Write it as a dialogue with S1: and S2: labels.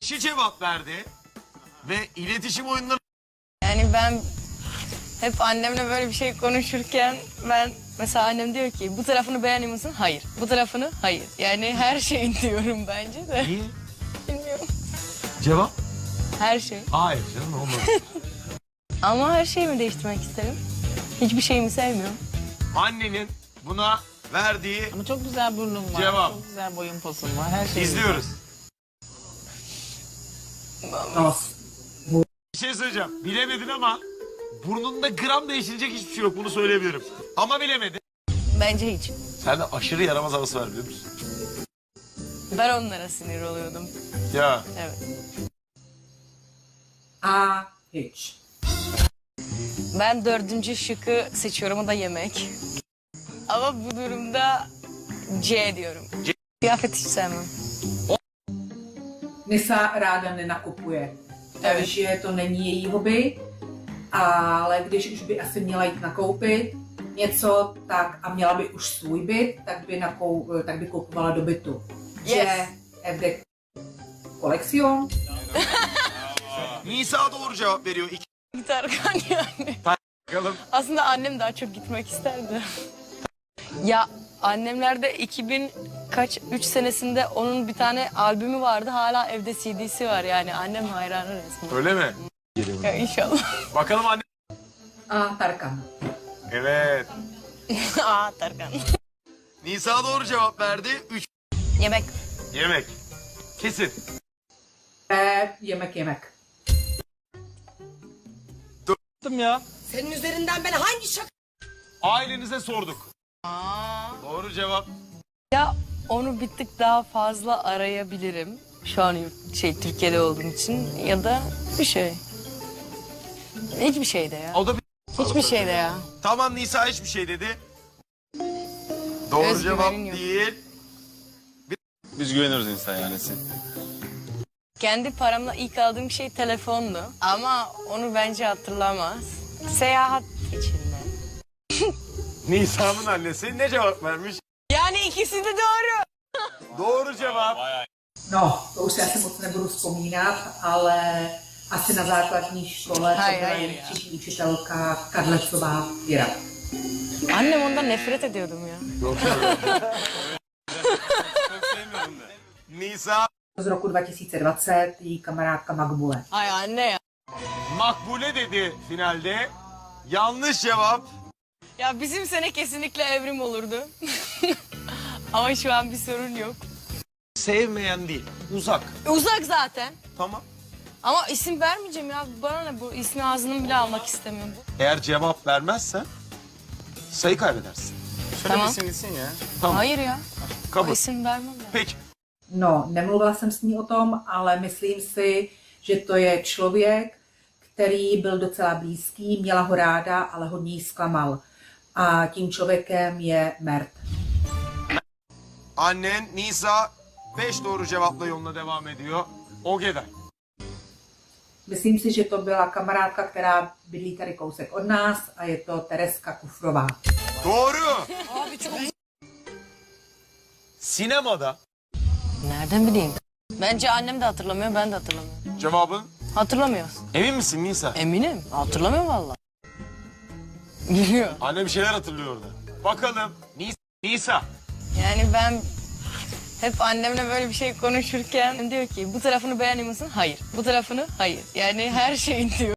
S1: Kişi cevap verdi ve iletişim oyunları...
S2: Yani ben hep annemle böyle bir şey konuşurken ben mesela annem diyor ki bu tarafını beğeniyor musun? Hayır. Bu tarafını? Hayır. Yani her şeyin diyorum bence de.
S1: Niye?
S2: Bilmiyorum.
S1: Cevap?
S2: Her şey.
S1: Hayır canım olmaz.
S2: Ama her şeyimi değiştirmek isterim. Hiçbir şeyimi sevmiyorum.
S1: Annenin buna verdiği
S3: Ama çok güzel burnun var.
S1: Cevap.
S3: Çok güzel boyun posun var. Her şey
S1: izliyoruz.
S4: Nos.
S1: Bir şey söyleyeceğim. Bilemedin ama burnunda gram değiştirecek hiçbir şey yok. Bunu söyleyebilirim. Ama bilemedin.
S2: Bence hiç.
S1: Sen de aşırı yaramaz havası var biliyor musun?
S2: Ben onlara sinir oluyordum.
S1: Ya.
S2: Evet.
S4: A. Hiç.
S2: Ben dördüncü şıkkı seçiyorum, o da yemek. Ama bu durumda C diyorum. Kıyafet hiç sevmem.
S4: Nisa ráda nenakupuje.
S2: Evet.
S4: Takže to není její hobby, ale když už by asi měla jít nakoupit něco, tak a měla by už svůj byt, tak by kupovala do bytu.
S2: Yes.
S4: Že evde koleksiyon.
S1: Nisa doğru cevap veriyor. İki
S2: Tarkan yani.
S1: bakalım.
S2: Aslında annem daha çok gitmek isterdi. Ya annemlerde 3 senesinde onun bir tane albümü vardı. Hala evde CD'si var yani. Annem hayranı resmen.
S1: Öyle mi?
S2: Ya inşallah.
S1: Bakalım anne.
S4: A. Tarkan.
S1: Evet.
S2: Aa Tarkan.
S1: Nisa doğru cevap verdi. 3
S2: Yemek.
S1: yemek. Kesin.
S4: B. Yemek.
S5: Senin üzerinden ben hangi şaka...
S1: Ailenize sorduk. Doğru cevap.
S2: Ya onu bir tık daha fazla arayabilirim. Şu an Türkiye'de olduğum için ya da bir şey. Hiçbir şeyde ya.
S1: O da bir...
S2: Hiçbir şeyde ya.
S1: Tamam Nisa hiçbir şey dedi. Doğru
S2: Özgüvenin
S1: cevap
S2: yok.
S1: değil.
S6: Biz güveniyoruz insan yani.
S2: Kendi paramla ilk aldığım şey telefondu. Ama onu bence hatırlamaz. Seyahat içinde.
S1: Nisa'nın annesi ne cevap vermiş?
S2: Yani ikisi de doğru.
S1: Doğru cevap.
S4: No, to už si asi moc nebudu vzpomínat, ale asi na základní škole to
S2: Haj,
S4: byla
S2: haj,
S4: její třídní učitelka Karlecová Věra.
S2: Annem ondan nefret ediyordum ya.
S1: Nisa
S4: Z roku 2020 její kamarádka Makbule.
S2: Ay anne ya.
S1: makbule dedi finalde. Yanlış cevap.
S2: Ya bizim sene kesinlikle evrim olurdu. Ama şu an bir sorun yok.
S1: Sevmeyen değil. Uzak.
S2: Uzak zaten.
S1: Tamam.
S2: Ama isim vermeyeceğim ya. Bana ne bu? İsmi ağzının bile almak istemiyorum.
S1: Eğer cevap vermezsen sayı kaybedersin.
S2: Tamam.
S6: Gitsin ya.
S1: Tamam.
S2: Hayır ya. O
S1: Kabul.
S2: isim vermem ben.
S1: Peki.
S4: No, nemluvila jsem s ní o tom, ale myslím si, že to je člověk, který byl docela blízký, měla ho ráda, ale hodně jí zklamal. A tím člověkem je Mert.
S1: Annen Nisa 5 doğru cevapla yoluna devam ediyor. Ogeday.
S4: Myslím si, že to byla kamarádka, která bydlí tady kousek od nás a je to Tereska Kufrová.
S1: Doğru. Sinemada
S2: Nereden bileyim? Bence annem de hatırlamıyor, ben de hatırlamıyorum.
S1: cevabın
S2: Hatırlamıyoruz.
S1: emin misin Nisa?
S2: Eminim. Hatırlamıyor vallahi. Biliyor.
S1: Anne bir şeyler hatırlıyor orada. Bakalım. Nisa.
S2: Yani ben hep annemle böyle bir şey konuşurken diyor ki bu tarafını beğeniyor musun? Hayır. Bu tarafını? Hayır. Yani her şeyin diyor.